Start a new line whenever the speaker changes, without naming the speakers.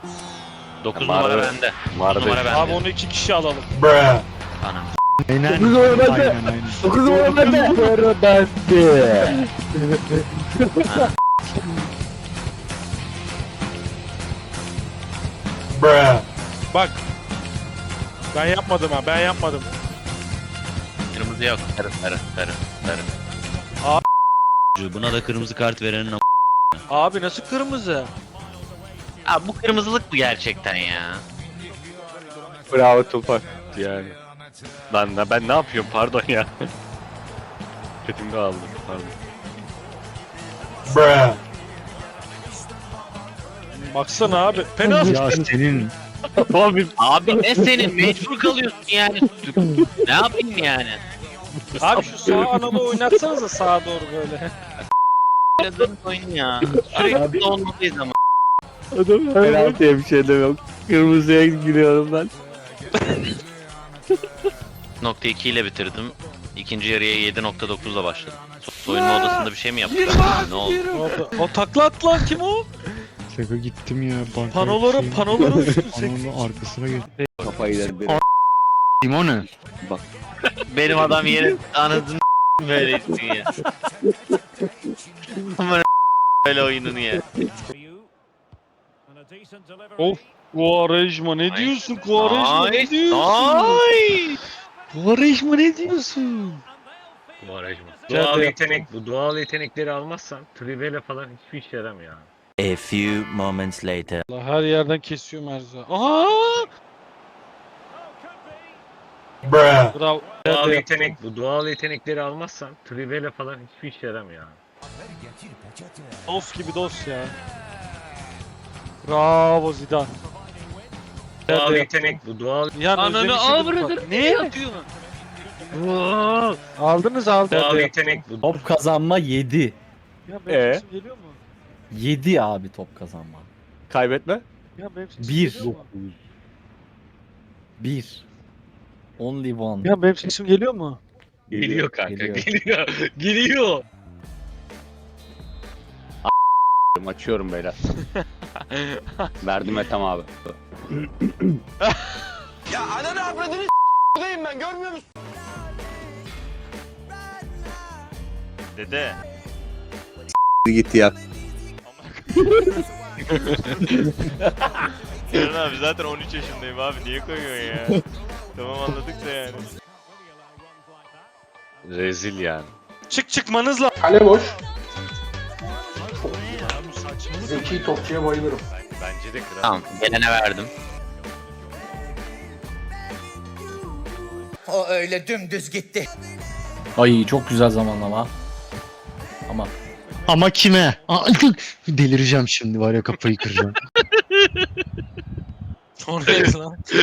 9
Var,
numara
evet.
bende.
Vardı.
9 numara bende.
Abi onu 2 kişi alalım.
Anam.
Aynen.
9 numara bende.
Aynen aynen.
9 numara bende.
Numara bende.
Bak. Ben yapmadım ha, ben yapmadım.
Kırmızı yok. Sarı. Buna da kırmızı kart verenin
Abi nasıl kırmızı?
Abi bu kırmızılık mı gerçekten ya?
Bravo Tufan. Yani. Ben ne yapıyorum pardon ya. Kötümde aldım pardon.
Baksana abi. Penaltı.
Ya senin.
Abi
Abi ne senin mecbur kalıyorsun yani. Ne yapayım yani?
Abi şu sağ analı oynatsanıza sağa doğru böyle.
Oynadığın oyun ya. Sürekli olmalıyız ama.
adam penaltıya bir şey demiyorum. Kırmızıya giriyorum ben.
Nokta 2 ile bitirdim. İkinci yarıya 7.9'la başladım. Soyunma odasında bir şey mi yaptık? Ne oldu?
O takla at lan, kim o?
Şaka gittim ya. Banka
Panoları uçtu.
Panonun arkasına geçtim.
Kafayı yedim.
Kim o ne?
Benim adam yeri anladın böyle etsin ya. Aman böyle oyununu ya.
Of, Quaresma ne diyorsun Quaresma, ne diyorsun?
Nice.
Quaresma ne diyorsun?
Bu doğal yetenekleri almazsan Trivela falan hiçbir işe yaramıyor.
A few moments later.
Allah, her yerden kesiyor Merza. Aha! Bravo.
Bu doğal yetenekleri almazsan Trivela falan hiçbir işe yaramıyor.
Of gibi dost ya. Bravo Zidane.
Bu doğal
Yani
Ananı
özlemişim
avradını
bak.
ne yapıyorsun?
Aldınız.
yetenek bu.
Top kazanma 7.
Ya benim sesim geliyor mu?
7 abi top kazanma.
Kaybetme.
Ya benim sesim
Bir.
geliyor mu?
1. Only one.
Ya benim sesim geliyor mu?
Geliyor kanka,
Geliyor.
geliyor.
Açıyorum beyler. Verdim Ethem abi.
Dede.
Gitti ya.
Sinan abi zaten 13 yaşındayım abi, niye koyuyorsun ya? Tamam anladık da yani.
Rezil yani.
Çıkmanız lazım.
Kale boş. Zeki topçuya bayılırım.
Bence de kral.
Tamam gelene verdim.
O öyle dümdüz gitti.
Ay çok güzel zamanlama. Ama
Ama kime? Delireceğim şimdi var ya, kafayı kıracağım.
Oraya lan.